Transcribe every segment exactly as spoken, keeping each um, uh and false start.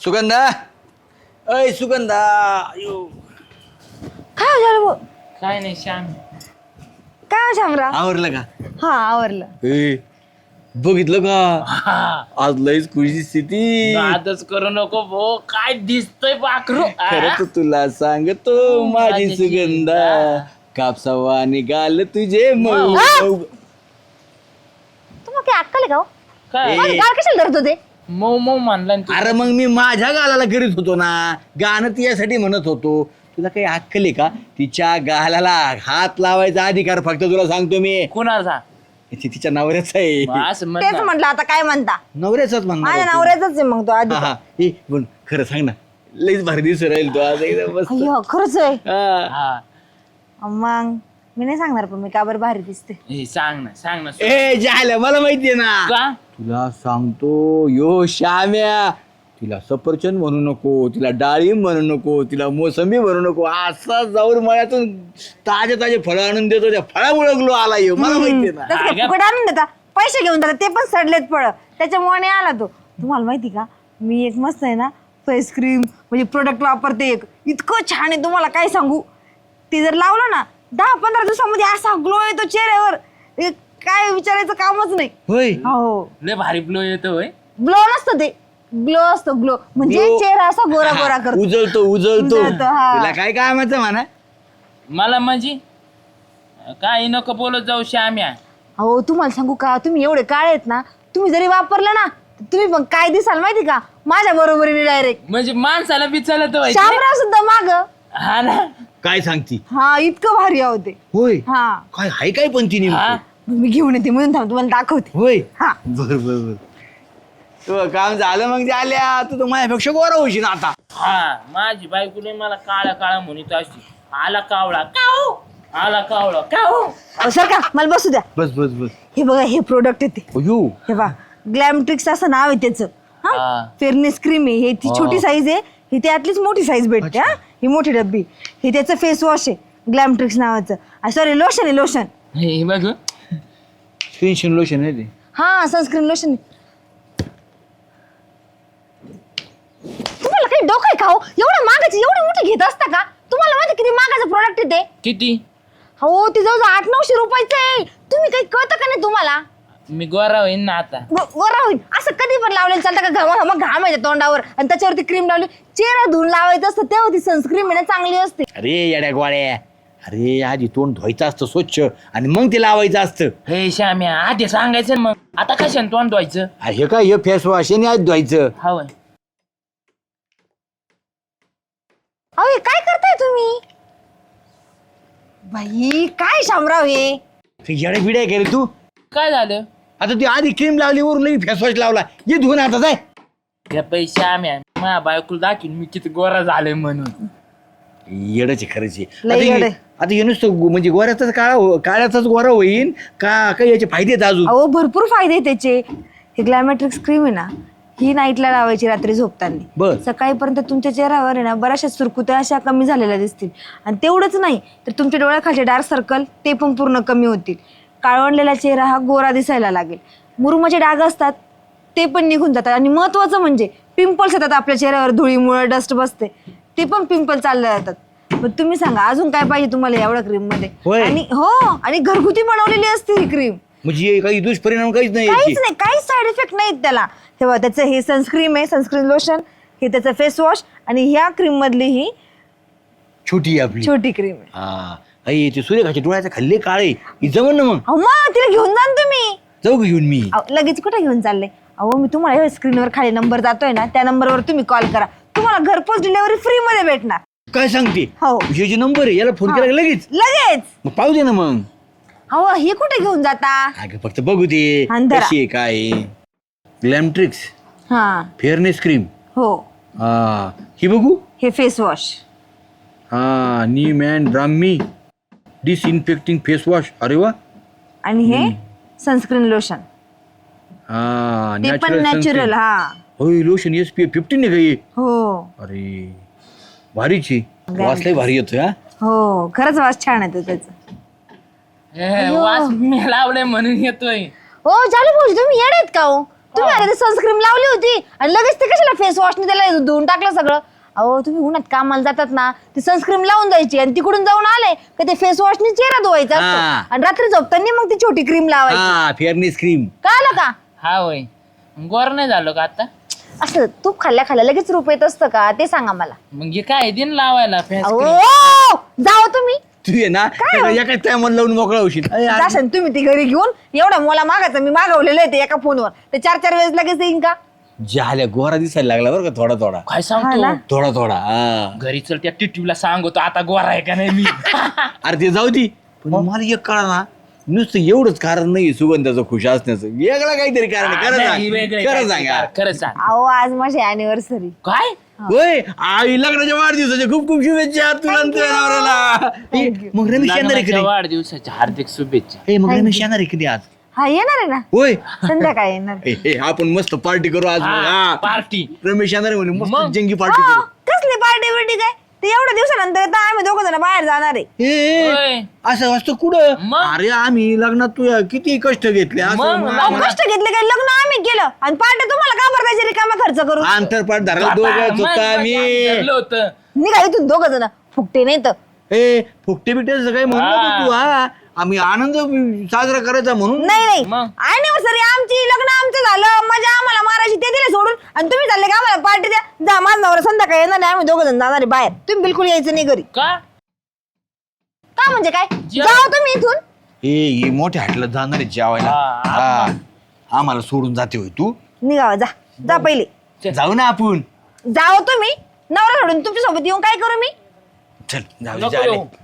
सुगंधा अय सुगंधा अयो. काय झालं भाऊ? काय नाही श्याम. काय शामराव? आवरलं का? हा आवरलं. ए बघितलं का आज लईच खुशी स्थिती. नादच करू नको भो, काय दिसतंय पाखरू. खरंच तुला सांगतो माझी सुगंधा कापसावा निघाल तुझे मऊ मऊ. तुम्हाला काय अक्कल आहे का हो? काय माझं गाल कशाला धरत होते? मऊ मऊ म्हणला ना तू. अरे मग मी माझ्या गालाला करीत होतो ना, गाणं तिच्यासाठी म्हणत होतो. तुला काही अक्कल आहे का? तिच्या गालाला हात लावायचा अधिकार फक्त तुला सांगतो मी. कुणाचा? ती तिच्या नवऱ्याचा आहे. असं म्हण तेच ना. म्हटलं आता काय म्हणता? नवऱ्याचाच म्हणणार माझ्या होतो. नवऱ्याचाच आहे मग तो आधी. हा, हा. ए, पण खरं सांग ना, लईच भारी दिवस राहील तो आज एकदम मस्त. अय्यो खरंच आहे. हा. हा मग मी नाही सांगणार पण मी का बरं भारी दिसते. हे सांग ना सांग ना. ए झालं मला माहितीये ना. का? तुला सांगतो यो श्याम्या, तिला सफरचंद म्हणू नको, तिला डाळिंब म्हणू नको, तिला मोसंबी म्हणू नको. असा जाऊन मळ्यातून ताजे ताजे फळं आणून देतो, त्या फळामुळे ग्लो आला यो. मला माहितीये ना. तसं काय फुकट आणून देता? पैसे घेऊन जातात ते पण सडलेत फळ, त्याच्यामुळे नाही आला तो. तुम्हाला माहिती का मी एक मस्त आहे ना फेस क्रीम म्हणजे प्रोडक्ट वापरते एक, इतकं छान आहे तुम्हाला काय सांगू. ते जर लावलं ना दहा पंधरा दिवसामध्ये असा ग्लो येतो चेहऱ्यावर, हे काय विचारायचं कामच नाही. होय हो लय भारी फ्लो येतो होय. ग्लो नसतं ते, ग्लो असतो ग्लो म्हणजे Glow. चेहरा असा गोरा गोरा करतो. उजळतो उजळतो. उजळतो, हा. तुला काय कामाचं म्हणा. मला म्हणजे काही नको बोलत जाऊ श्याम्या. हो तुम्हाला सांगू का, तुम्ही एवढे काळे आहेत ना, तुम्ही जरी वापरलं ना तुम्ही पण काय दिसाल माहिती का माझ्या बरोबरीने डायरेक्ट. म्हणजे माणसाला बी चालत होय. शामराव सुद्धा माग. हा ना. काय सांगती? हा इतकं भारी आहो ते. होय हा काय हाय काय पण ती हा नेमकं? मी घेऊन येते म्हणून थांब तुम्हाला दाखवते. होय हा बर बर बर. तुझं काम झालं मग झाल्या, तू तर माझ्यापेक्षा गोरा होशील आता. हा माझी बायकोने मला काळा काळा म्हणत अशी, आला कावळा काऊ, आला कावळा काऊ. अहो, सर का मला बसू द्या. बस बस बस. हे बघा हे प्रोडक्ट येते, अयो हे बघा ग्लॅमट्रिक्स असं नाव आहे त्याचं. हा हा. फेअरनेस क्रीम आहे, हे ती छोटी साईज आहे, ही त्यातलीच मोठी साईज भेटते. हा ही मोठी डब्बी, हे त्याचं फेस वॉश आहे ग्लॅमट्रिक्स नावाचं. सॉरी लोशन आहे लोशन. हे बघ टेन्शन लोशन आहे ते. हा सनस्क्रीन लोशन. तुम्हाला काही डोकं आहे का हो? एवढं मागाची एवढी मोठी घेत असता का? तुम्हाला माहिती किती मागाचं प्रोडक्ट आहे ते? किती? हो ते जवळ आठ नऊशे रुपयाचं आहे. तुम्ही काही कळतं का नाही तुम्हाला? मी गोरा होईन ना आता. गोरा होईल असं कधी पण लावलेलं चालतं का? घामा घामा घाम येते तोंडावर आणि त्याच्यावरती क्रीम लावली, चेहरा धुवून लावायचं असतं तेव्हा ती सनस्क्रीन आहे ना चांगली असते. अरे येड्या गोळ्या, अरे आधी तोंड धुवायचं असतं स्वच्छ आणि मग ते लावायचं असतं. हे श्याम्या आधी सांगायचं ना मग. आता कशाने तोंड धुवायचं? अरे हे काय हे फेस वॉश आहे आधी धुवायचं. हवं. अहो हे काय करताय तुम्ही? बाई काय शामराव हे? येड्या बिड्या का रे तू? काय झालं? आता ती आधी क्रीम लावली वरून लगेच फेस वॉश लावला. ये धुवून आता जाय. या पैसे आम्ही माझ्या बायकोला दाखीन मी किती गोरा झालोय म्हणून. येडच खरंच लय येडं आहे. आता हे नुसतं गो- म्हणजे गोऱ्याचाच काळा हो- काळ्याचाच गोरा होईन का काही याचे फायदे आहेत अजून? अहो भरपूर फायदे आहेत त्याचे. हे ग्लॅमॅट्रिक्स क्रीम आहे ना, ही नाईटला लावायची रात्री झोपताना. बर. सकाळीपर्यंत तुमच्या चेहऱ्यावर आहे ना बऱ्याचशा सुरकुत्या अशा कमी झालेल्या दिसतील. आणि तेवढंच नाही तर तुमच्या डोळ्याखालचे डार्क सर्कल ते पण पूर्ण कमी होतील. काळवंडलेला चेहरा हा गोरा दिसायला लागेल. मुरुमाचे डाग असतात ते पण निघून जातात. आणि महत्वाचं म्हणजे पिंपल्स येतात आपल्या चेहऱ्यावर, धुळीमुळे डस्ट बसते ते पण पिंपल चालले जातात. मग तुम्ही सांगा अजून काय पाहिजे तुम्हाला एवढ्या क्रीम मध्ये? होय. आणि हो आणि घरगुती बनवलेली असते ही क्रीम. म्हणजे काही दुष्परिणाम काहीच नाही काहीच याचे. नाही, काहीच साईड इफेक्ट नाहीत त्याला. तेव्हा त्याचं हे सनस्क्रीम आहे, सनस्क्रीन लोशन, हे त्याचं फेस वॉश आणि ह्या क्रीम मधली ही छोटी आहे आपली. छोटी क्रीम आहे. हा आई ते सूर्यखाच्या डोळ्याचे खाल्ले काळे ही जमन ना मग. अहो मग तिला घेऊन जा ना तुम्ही. जाऊ का घेऊन मी? अहो, लगेच कुठे घेऊन चालले? अहो मी तुम्हाला स्क्रीनवर खाली नंबर जातोय ना त्या नंबरवर तुम्ही कॉल करा, तुम्हाला घरपोच डिलिव्हरी फ्री मध्ये भेटणार. काय सांगते? हो. हे जे नंबर आहे याला फोन केला का लगेच? लगेच. मग पाहू दे ना मग. अहो हे कुठे घेऊन जाता? अगं फक्त बघू दे अंधारा. कशी आहे काय. ग्लॅमट्रिक्स हा फेअरनेस क्रीम. हो हा ही बघू. हे फेस वॉश. हा neem and Brahmi disinfecting face wash. अरे वा. आणि हे सनस्क्रीन लोशन हा ते पण नॅचरल. हा होय lotion S P F fifteen आहे का हे? हो अरे भारीची वासलाही भारी येतोय. हा हो खरंच वास छान आहे त्याचा. हे वास मी लावले म्हणून येतोय. हो चालू भाऊजी तुम्ही येड आहेत का हो? तुम्ही आता सनस्क्रीम लावली होती आणि लगेच ते कशाला फेस वॉशने त्याला धुवून टाकलं सगळं. अहो तुम्ही उन्हात कामाला जातात ना, ती सनस्क्रीम लावून जायची आणि तिकडून जाऊन आले का ते फेस वॉशने चेहरा धुवायचा असतो. हा. आणि रात्री झोपताना मग ती छोटी क्रीम लावायची. हा फेअरनेस क्रीम. कळलं का? हा होय. गोर नाही झालो का आता? असं तूप खाल्ल्या खाल्ल्या लगेच रूप येत असतं का ते सांगा मला. मग हे काय दिन लावायला फेस अहो क्रीम? जाओ तुम्ही. तू ये ना एका टायमाला लावून मोकळा होशील. अरे यार, जाशन तुम्ही ती घरी घेऊन. एवढा मला मागायचं मी मागवलेलं आहे ते एका फोनवर. ते चार चार वेळेस लगेच येईन का? झाल्या गोरा दिसायला लागला बरं का थोडा थोडा काय हा सांगतो ना? थोडा थोडा हा. घरी चल त्या टिटूला सांगतो आता गोरा आहे का नाही मी. अरे ते जाऊ दे पण मला एक कळा ना नुसतं एवढंच कारण नाही सुगंधाचं खुश असण्याचं, वेगळं काहीतरी कारण आहे. खरं नाही, वेगळं सांग खरं काय सांग यार. खरं सांग. अहो आज माझी अॅनिव्हर्सरी. काय होय आई लग्नाच्या वाढदिवसाच्या खूप खूप शुभेच्छा तुला आणि तुझ्या नवऱ्याला. ए, मग रमेश येणार आहे लग्नाच्या कधी? वाढदिवसाच्या हार्दिक शुभेच्छा. ए, मग रमेश येणार आहे कधी आज? हा येणार आहे ना होय संध्याकाळी येणार. ए, ए, आपण मस्त पार्टी करू आज. हा. पार्टी. रमेश येणार आहे म्हणे मस्त मग? जंगी पार्टी हो, करू. कसली पार्टी बिर्टी काय ते एवढ्या दिवसानंतर आता आम्ही दोघं जण बाहेर जाणार आहे. ए, ए, होय. असं असतं कुठं? मग? अरे आम्ही लग्नात तू किती कष्ट घेतले असं मग, मग मग. अहो, आम्हाला- कष्ट घेतले काय लग्न आम्ही केलं आणि पार्टी तुम्हाला का बरं द्यायची रिकामा खर्च करू. आंतरपाठ धरायला दोघं चुका आम्ही. ठरलं होतं. निघा इथून दोघं जण फुकटे नाही तर. ए फुकटे बिकटे काही म्हणू नको हा. तू. हा आम्ही आनंद साजरा करायचा म्हणून. नाही नाही मग? अॅनिव्हर्सरी आमची लग्न आमचं झालं मजा आम्हाला मारायची ते दिले सोडून आणि तुम्ही चालले का आम्हाला पार्टी द्या. जा माझा नवरा संध्याकाळी येणार नाही आम्ही दोघं जण जाणार आहे बाहेर. तुम्ही बिलकुल यायचं नाही घरी. का? का म्हणजे काय जेव- जाओ तुम्ही इथून. ए ही मोठ्या हाटला जाणार आहे जेवायला. हा, हा. आम्हाला सोडून जाते होय तू. निघावा जा जा पहिले जाऊ ना आपण. जाओ तुम्ही. नवरा सोडून तुमच्या सोबत येऊन काय करू मी. चल जाऊ नको झाले. येऊ.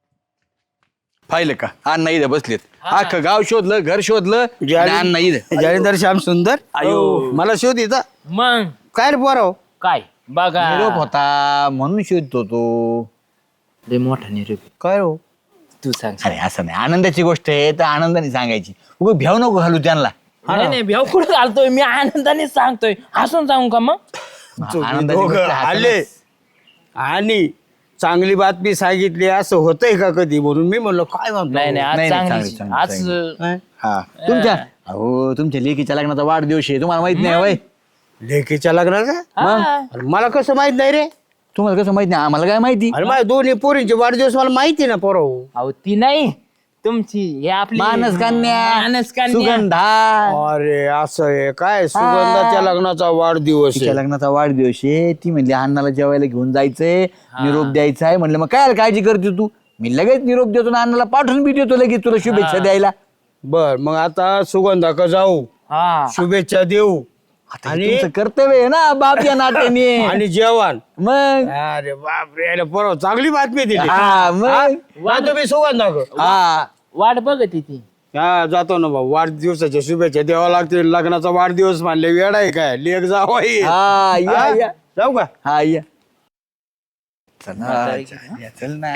पाहिलं का अण्णा इथं बसलेत. अख्खं गाव शोधलं घर शोधलं जाली- आणि अण्णा इथं. जालिंदर श्याम सुंदर आयो. मला शोध येता मग काय रे पोराव. काय बघा निरोप होता म्हणून शोधतो तो. लय मोठा निरोप. काय हो तू सांग. अरे असं नाही आनंदाची गोष्ट आहे तर आनंदाने सांगायची. उगं भ्याव नको घालू त्यांना. नाही नाही भेव कुठं घालतोय मी आनंदाने सांगतोय. हसून सांगू का मग? आनंदाची दोघं गोष्ट हसायला- आले आणि चांगली बातमी सांगितली असं होतंय का कधी म्हणून मी म्हणलो काय म्हणतो. नाही नाही आज नाही, नाही, चांगली चांगली, आज चांगली. काय? हा तुमच्या अहो तुमच्या लेकीच्या लग्नाचा वाढदिवस आहे तुम्हाला माहित नाही वय. लेकीच्या लग्नाचा हा. अरे मला कसं माहित नाही रे. तुम्हाला कसं माहित नाही आम्हाला काय माहिती. अरे माझ्या दोन्ही पोरींचे वाढदिवस मला माहिती ना पोराव. अहो ती नाही तुमची हे आपली मानस कन्या मानस कन्या. सुगंधा अरे असं आहे काय सुगंधाच्या लग्नाचा वाढदिवस तिच्या आहे. लग्नाचा वाढदिवस आहे. ती म्हणली अण्णाला जेवायला घेऊन जायचंय निरोप द्यायचा आहे. म्हणलं मग काय काळजी करते तू. मी लगेच निरोप देतो ना अण्णाला पाठवून बी देतो लगेच तुला शुभेच्छा द्यायला. बर मग आता सुगंधा का जाऊ हा शुभेच्छा देऊ आता आणि- हे तुमचं कर्तव्य आहे ना बाप या नात्याने. आणि जेवण. मग अरे बापरे अरे पोराव चांगली बातमी दिली. हा मग हा, तुम्ही सुगंधा का? हा वाट बघत ती हा जातो ना भाऊ वाढदिवसाच्या शुभेच्छा द्यावा लागतील. लग्नाचा वाढदिवस मानले वेळ आहे काय लेख जावा हा या या जाऊ का. हा या चल ना, या, चल ना.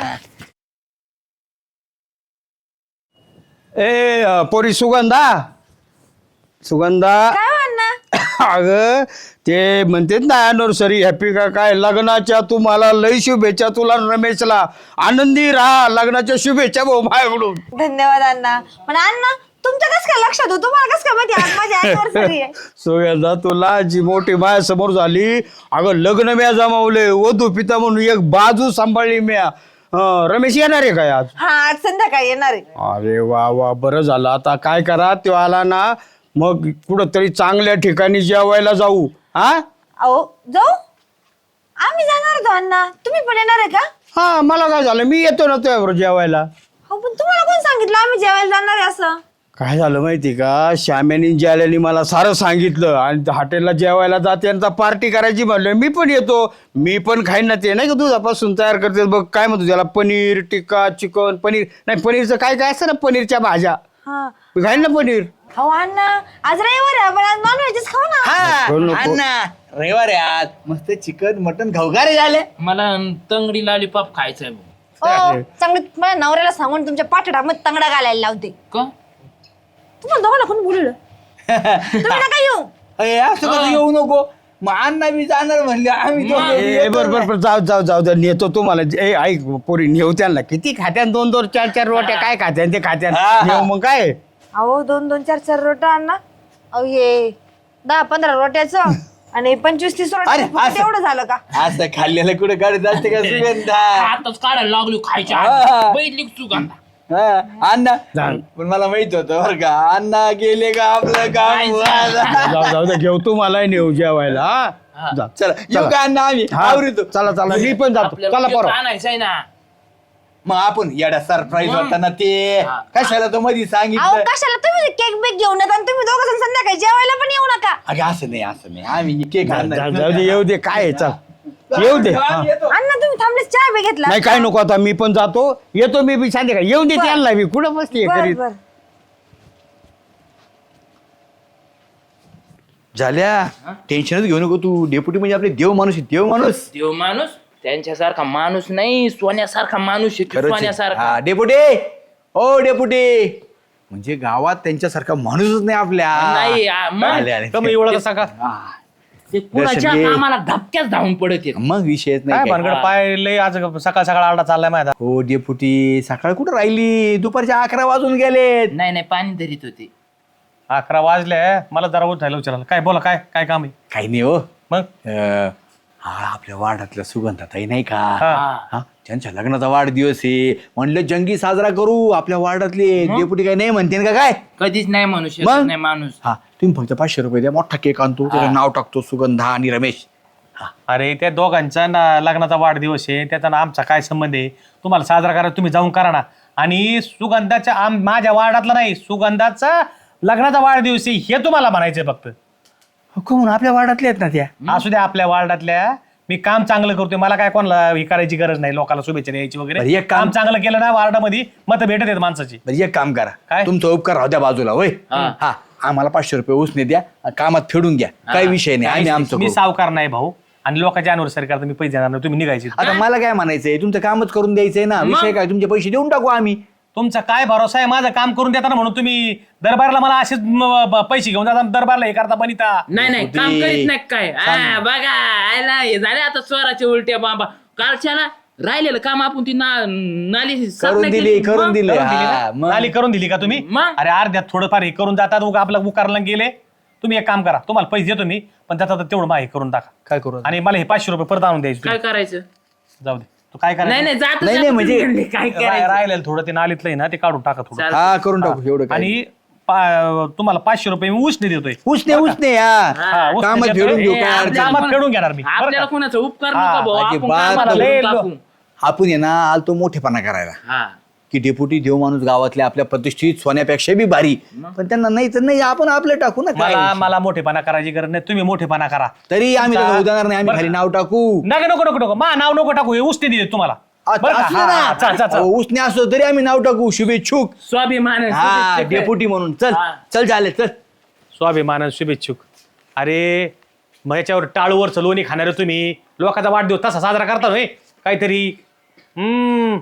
ए अ, पोरी सुगंधा सुगंधा काय म्हणणार. अग ते म्हणतात ना अॅनिव्हर्सरी हॅपी का काय लग्नाच्या तुम्हाला लय शुभेच्छा तुला आणि रमेशला. आनंदी राहा लग्नाच्या शुभेच्छा भाऊ माझ्याकडून. धन्यवाद अण्णा. पण अण्णा तुमच्या कस काय लक्षात हो तुम्हाला कस काय माहिती आज माझी अॅनिव्हर्सरी आहे. सुगंधा तुला जी मोठी माया समोर झाली अगं लग्न म्या जमावले वधू पिता म्हणून एक बाजू सांभाळली म्या. अं, रमेश येणार आहे काय आज. हा आज संध्याकाळी येणार आहे. अरे वा वा बरं झालं. आता काय करा तो आला ना मग कुठंतरी चांगल्या ठिकाणी जेवायला जाऊ. हा अहो जाऊ आम्ही जाणार होतो अण्णा. तुम्ही पण येणार आहे का. हा मला काय झालं मी येतो ना तुझ्याबरोबर जेवायला. हो पण तुम्हाला कोण सांगितलं आम्ही जेवायला जाणार आहे असं. काय झालं माहिती का श्याम्यानी ज्याल्यानी मला सारं सांगितलं आणि हॉटेलला जेवायला जाते आणि पार्टी करायची म्हणलं मी पण येतो. मी पण खाईन ना ते नाही का दुधापासून तयार करते बघ काय म्हणतो त्याला पनीर टिक्का चिकन पनीर नाही पनीरचं काय काय असतं ना पनीरच्या भाज्या हा मी खाईन ना पनीर. हो अण्णा आज रविवार आहे आपण आज नॉनव्हेजच खाऊ ना. हा नको, नको. अण्णा रविवार आहे आज मस्त चिकन मटन खाऊ का रे झाले. मला तंगडी लॉलीपॉप खायचंय भाऊ. हो चांगलं माझ्या नवऱ्याला सांगून तुमच्या पाठीडामध्ये तंगडा घालायला लावते. का तुम्हाला दोघांना कोण बोललं. तुम्ही नका येऊ. अरे असं कसं येऊ नको. मग अण्णा बी जाणार म्हणले आम्ही दोघं ए, येतो बर बर ना. बर जाऊ जाऊ जाऊ जाऊ नेतो तुम्हाला ए ऐक पोरी नेऊ त्यांना किती खात्यान दोन दोन चार चार रोट्या काय खात्यान ते खात्यान हा, हा. नेऊ मग काय. अहो दोन दोन चार चार रोटा अण्णा. अहो ये दहा पंधरा रोट्याचं आणि पंचवीस तीस अरे, रोट्या असं- तेवढं झालं का? असं खाल्लेलं कुठे गाडी जाते का सुगंधा? आताच काढायला लागलो खायच्या हा. आधी. बैठली का सुगंधा हा, अण्णा पण मला माहित होतं बरं का, अण्णा गेले का आपलं काम व्हायला. जाऊ जाऊ दे, घेऊ तू मला नेऊ जेवायला हा? जा. चला येऊ का अण्णा आम्ही हा. आवरितो. चला चला मी पण जातो आपल्याला चला केक बरं आणायचं आहे ना. मग आपण येडा सरप्राईज होता ना ते हा. कशाला तो मध्ये अहो सांगितलं. कशाला तुम्ही केक बेक घेऊन येता आणि तुम्ही दोघं जण संध्याकाळी जेवायला पण येऊ नका. अगे असं नाही असं नाही आम्ही केक जा- आणणार. जा- जाऊ दे येऊ दे काय आहे, चल येऊ दे हा. अण्णा तुम्ही थांबलेच चहा बी घेतला? नाही काय नको आता मी पण जातो येतो मी बी सांगते का येऊन दे बरं. त्यांना मी कुठं बसली बर करीत बर. झाल्या टेन्शनच घेऊ नको तू. डेप्युटी म्हणजे आपले देव माणूस आहे, देव माणूस. देव माणूस त्यांच्यासारखा माणूस नाही, सोन्यासारखा माणूस आहे तो, खरंच आहे. सोन्यासारखा. हा, डेपुटी ओ डेपुटी म्हणजे गावात त्यांच्यासारखा माणूसच नाही आपल्या. नाही आ, मग आले, आले. कमी एवढा कसा का हा. ते कुणाच्या दर्शन घे. कामाला धपक्याच धावून पडत येत. मग विषयच काय नाही काय. भानगड पाय लय आज सकाळ सकाळ आरडा चाललाय माझा. हो डेपुटी सकाळ कुठं राहिली, दुपारच्या अकरा वाजून गेलेत. नाही नाही पाणी धरीत होते. अकरा वाजले मला जरा उठायला विचारायला काय बोला काय काय काम आहे काही नाही हो मग अं, हा आपल्या वार्डातल्या सुगंधाताई नाही का, हा. हा त्यांच्या लग्नाचा वाढदिवस आहे म्हणलं जंगी साजरा करू आपल्या वार्डातले. डेपुटी काय नाही म्हणते का काय. कधीच नाही म्हणू शकत मग? नाही माणूस. हा तुम्ही फक्त पाचशे रुपये द्या, मोठा केक आणतो त्याचं नाव टाकतो सुगंधा आणि रमेश. अरे त्या दोघांचा ना लग्नाचा वाढदिवस आहे त्याचा ना आमचा काय संबंध आहे तुम्हाला साजरा करा तुम्ही जाऊन करा ना. आणि सुगंधाच्या आम माझ्या वार्डातला नाही सुगंधाचा लग्नाचा वाढदिवस आहे हे तुम्हाला म्हणायचंय फक्त. कोण आपल्या वार्डातले आहेत ना त्या. असू द्या आपल्या वार्डातल्या मी काम चांगलं करतोय मला काय कोणाला हे करायची गरज नाही लोकांना शुभेच्छा द्यायची बरं, वगैरे एक काम- काम चांगलं केलं ना वार्डामध्ये मत भेटत आहेत माणसाची. बरं एक काम करा काय? तुमचा उपकार राहू द्या बाजूला होय. हा. हा आम्हाला पाचशे रुपये उसने द्या कामात फेडून घ्या काही विषय नाही आम्ही आमचं मी करू. सावकार नाही भाऊ आणि लोकांच्या अनिव्हर्सरी करता मी पैसे देणार नाही तुम्ही निघायचे. आता मला काय म्हणायचंय तुमचं कामच करून द्यायचंय ना विषय काय तुमचे पैसे देऊन टाकू आम्ही. तुमचा काय भरोसा आहे माझं काम करून देताना म्हणून तुम्ही दरबारला मला असेच म, ब- पैसे घेऊन जाता दरबारला हे करता बनिता. नाही नाही होते. काम करीत नाही काय. आ, बघा आयला हे झाले आता स्वराचे उलट्या बाबा. कालच्याला राहिलेलं काम आपण ती ना- नाली साफ करून नाही दिली केली. करून मग? दिली करून दिली हा, ना? मग. नाली करून दिली का तुम्ही मग? अरे अर्ध्यात थोडंफार हे करून जातात उगा आपलं उकारला गेले. तुम्ही एक काम करा तुम्हाला पैसे देतो मी पण त्याचा आता तेवढं माहिती करून टाका काय करू आणि मला हे पाचशे रुपये परत आणून द्यायचे काय तुम्ही. करायचं. जाऊ दे तू काय नाही करायचं नाही जात नाही, नाही, म्हणजे- काय राह- करायचं. राहिलेलं थोडं ते नालीतलं आहे ना ते काढून टाका थोडं चालतं. हा करून टाकू एवढं काय. आणि पा- तुम्हाला पाचशे रुपये मी उसने देतोय. उसने उसने या हा, उसने कामात देतोय. फेडून घेऊ ए, काय आपल्या- अडचण कामात आपण- फेडून घेणार मी बरं आपल्याला का? कोणाचा उपकार हा, नका भाऊ आपण अजिबात कामाला लय करून लो- टाकू. आपण आहे ना आलतो मोठेपणा करायला हा की डेपुटी देव माणूस गावातल्या आपल्या प्रतिष्ठित सोन्यापेक्षा बी भारी पण त्यांना नाही तर नाही आपण आपलं टाकू ना काय मला विषय. मला मोठेपणा करायची गरज नाही तुम्ही मोठेपणा करा. तरी आम्ही तुमचा- तसं उदाहरण नाही आम्ही बरं. खाली नाव टाकू. नका नको नको नको मा नाव नको टाकू हे उसने दिले तुम्हाला आता बरं का? असलं हा, ना. हा, चल, चल, चल. अहो, उसने असो तरी आम्ही नाव टाकू शुभेच्छुक. स्वाभिमान आहे, हा शुभेच्छा. डेपुटी म्हणून चल हा. चल झाले चल. स्वाभिमान शुभेच्छुक. अरे मग याच्यावर टाळूवरचं लोणी खाणारे तुम्ही लोकांचा वाढदिवस तसा साजरा करता होय काहीतरी. हम्म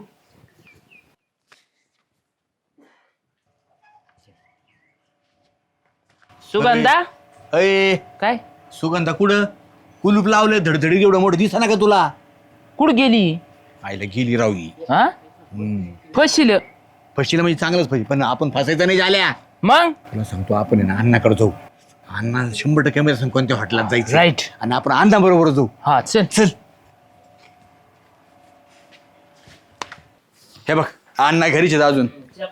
सुगंधा अय काय सुगंधा कुठं कुलूप लावलंय धडधडीत एवढं मोठं दिसा ना का तुला. कुठं गेली. आईला गेली राहू हा फशील फशीला म्हणजे चांगलंच पाहिजे पण आपण फसायचं नाही झाल्या. मग तुला सांगतो आपण आहे ना अण्णाकडे जाऊ. अण्णा शंभर टक्के माहिती सांग कोणत्या हॉटेलात जायचं Right. आणि आपण अण्णा बरोबर जाऊ. हा चल चल हे बघ अण्णा घरीच आहेत अजून.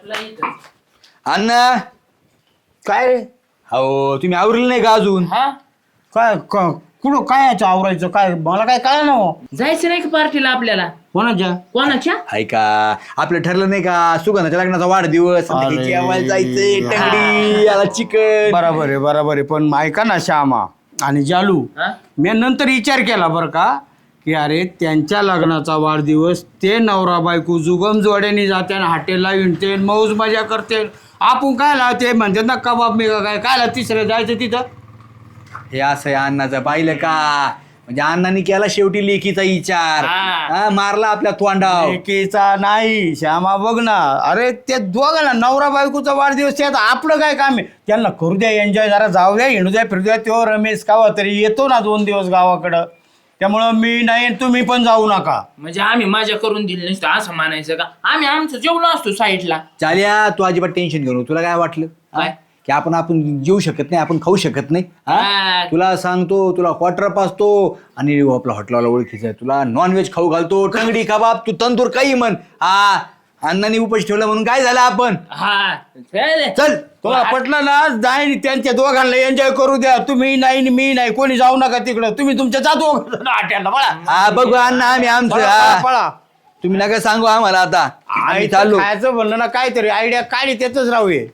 अण्णा काय रे? हो तुम्ही आवरले नाही का अजून. हा काय क- कुठं काय याचं आवरायचं काय मला काय कळलं ना हो. जायचं नाही का पार्टीला आपल्याला. कोणाच्या कोणाच्या. ऐका आपलं ठरलं नाही का सुगंधाच्या लग्नाचा वाढदिवस अरे. जेवायला जायचंय टंगडी याला चिकन. बरोबर आहे बरोबर आहे पण ऐका ना श्यामा आणि जालू हा? मी नंतर विचार केला बरं का की अरे त्यांच्या लग्नाचा वाढदिवस ते नवरा बायको जुगम जोड्याने जाते आणि हॉटेलला विणते मौज मजा करते आपण काय लावते म्हणते ना कबाब मी काय काय तिसऱ्या जायचं तिथं. हे असं आहे अण्णाचं पाहिलं का म्हणजे अण्णांनी केला शेवटी लेकीचा विचार. हा. हा, मारला आपल्या तोंडाव. एकीचा नाही श्यामा बघ ना अरे ते दोघांना नवरा बायकोचा वाढदिवस त्यात आपलं काय काम आहे त्यांना करू द्या एन्जॉय जरा जाऊ द्या हिंडू द्या फिरू द्या तो रमेश कावा तरी येतो ना दोन दिवस गावाकडं त्यामुळं मी नाही तुम्ही पण जाऊ नका. म्हणजे आम्ही मजा करून दिली नसतं असं म्हणायचं का. आम्ही आमचं जेवलो असतो साईडला. चाल्या तू अजिबात टेन्शन घेऊ नको. तुला काय वाटलं हा? काय? की आपण आपण जेऊ शकत नाही, आपण खाऊ शकत नाही. हा? हा. तुला सांगतो, तुला क्वार्टर पाचतो आणि आपला हॉटेलवाला ओळखीचा आहे, तुला नॉनव्हेज खाऊ घालतो, टंगडी कबाब, तू तंदूर काही म्हण. हा अण्णांनी उपाशी ठेवला म्हणून काय झालं आपण. हा चल. चल तुला पटलं ना जाय त्यांच्या दोघांना एन्जॉय करू द्या. तुम्ही नाही आणि मी नाही, कोणी जाऊ नका तिकडं. तुम्ही तुमच्या जातो हॉटेलला पळा. हा बघू अण्णा आम्ही आमचं. पळा, हा. पळा. तुम्ही नका सांगू आम्हाला आता, आम्ही आम्ही चाललो. खायचं म्हणलं ना काहीतरी आयडिया काढी त्याच राहूये.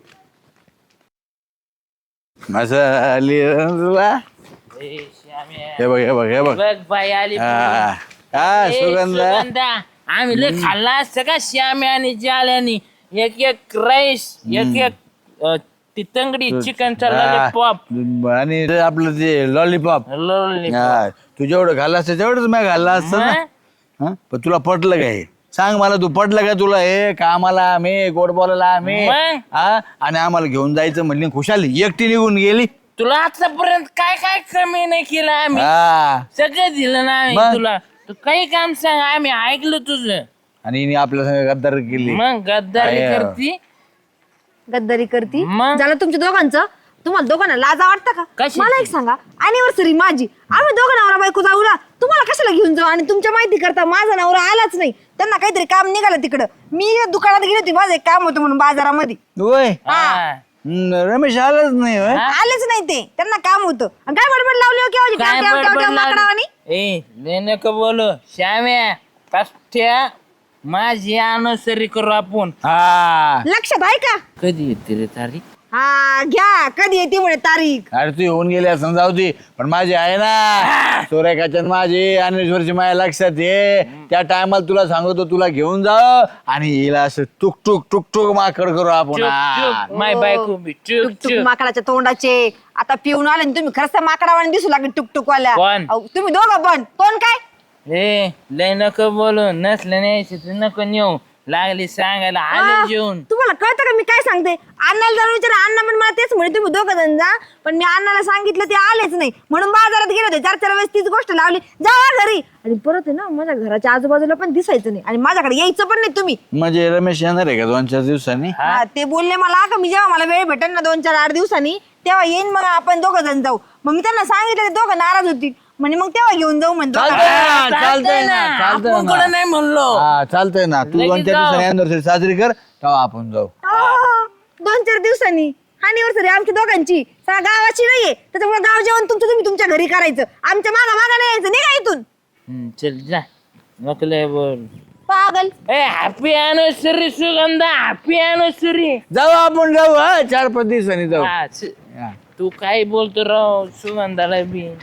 मसाली तुला ए, श्याम्या. हे बघ हे बघ हे बघ. बघ बाई आली. हा हा, ए, सुगंधा. सुगंधा. आम्ही लय खाल्ला असतं का श्याम्या आणि जाल्यानी. एक एक राईस, एक एक अ, ती तंगडी चिकनचा लॉलीपॉप. हा. आणि ते आपलं ते लॉलीपॉप. लॉलीपॉप. तू जेवढं खाल्लं असतं तेवढंच मी खाल्लं असतं ना. हा? पण तुला पटलं का हे? सांग मला, तू पटलं का तुला हे? कामाला आम्ही, गोड बोलायला आम्ही, मग? हा? आणि आम्हाला घेऊन जायचं म्हणली, खुशाल एकटी निघून गेली. तुला आतापर्यंत काय काय कमी नाही केलं आम्ही. हा. सगळं दिलं ना आम्ही मग? तुला. तू काही काम सांग, आम्ही ऐकलं तुझं. आणि हिने आपल्या संग गद्दार केली. मग गद्दारी आहे. करती. गद्दारी करती मग? झालं तुमच्या दोघांचं. तुम्हाला दोघांना लाजा वाटतं का? कशाची? मला एक सांगा, अॅनिव्हर्सरी माझी, आम्ही दोघं नवरा बायको जाऊ ना, तुम्हाला कशाला घेऊन जाऊ? आणि तुमच्या माहिती करता माझा नवरा आलाच नाही, त्यांना काहीतरी काम निघालं तिकडं. मी दुकानात गेली होती, माझं एक काम होतं म्हणून बाजारामध्ये. होय. हा. हम्म, रमेश आलाच नाही होय. आलेच नाही ते, त्यांना काम होतं. आणि काय बडबड लावली हो केव्हाची? काय ट्याव, ट्याव, ट्याव, बडबड ट्याव, माकडावानी. लावली? ए लय नको बोलू श्याम्या. पाष्ट्या माझी अनुसरी करू आपण. हा. लक्षात आहे का? कधी येते रे तारीख? हा घ्या, कधी येते म्हणे तारीख. अरे तू येऊन गेली असं जाऊ दे, पण माझी आहे ना सोरेखाच्यात माझी अनेश्वरची माझ्या लक्षात ये. त्या टायमाला तुला सांगतो, तुला घेऊन जाऊ आणि हिला असं टुक टुक टुक टुक माकड करू आपण. चुप हा. चुप माय बायको बी चुप टुकटुक चुप. माकडाच्या तोंडाचे. आता पिऊन आले आणि तुम्ही खरंच त्या माकडावाने दिसू लागले टुकटुकवाल्या. कोण? अहो, तुम्ही दोघं पण. कोण काय? ए लय नको बोलू. नसलं न्यायचं तर नको नेऊ. लागली सांगायला आ, आले जेवून. तुम्हाला कळतं का मी काय सांगते? अण्णाला जाऊन विचारा, अण्णा पण मला तेच म्हणे तुम्ही दोघं जण जा. पण मी अण्णाला सांगितलं ते आलेच नाही, म्हणून बाजारात गेले होते. चार चार वेळेस तीच गोष्ट लावली, जा घरी. आणि परत आहे ना माझ्या घराच्या आजूबाजूला पण दिसायचं नाही आणि माझ्याकडे यायचं पण नाही तुम्ही. म्हणजे रमेश येणार आहे का दोन चार दिवसांनी? हा, ते बोलले मला का मी जेव्हा मला वेळ भेटेल ना दोन चार आठ दिवसांनी तेव्हा येईन, मग आपण दोघं जण जाऊ. मग मी त्यांना सांगितलं, ते दोघं नाराज होतील म्हणे, मग तेव्हा घेऊन जाऊ म्हणतो. चालतंय ना, चालतंय ना, चालतंय आपण ना. कुठं नाही म्हणलो. हा चालतंय ना. तू लगेच दोन चार जाऊ. दिवसांनी anniversary साजरी कर, तेव्हा आपण जाऊ. आ, दोन चार दिवसांनी अॅनिव्हर्सरी आमच्या दोघांची, सगळ्या गावाची नाहीये, त्याच्यामुळे गाव जेवण तुमचं तुम्ही तुमच्या घरी करायचं, आमच्या मागा मागा नाही यायचं. निघा इथून हम्म, चल जा. नको लय बोल. पागल. ए happy anniversary Sugandha. Happy anniversary. जाऊ आपण जाऊ. हा चार पाच दिवसांनी जाऊ. तू काय बोलतो राव सुगंधाला बी.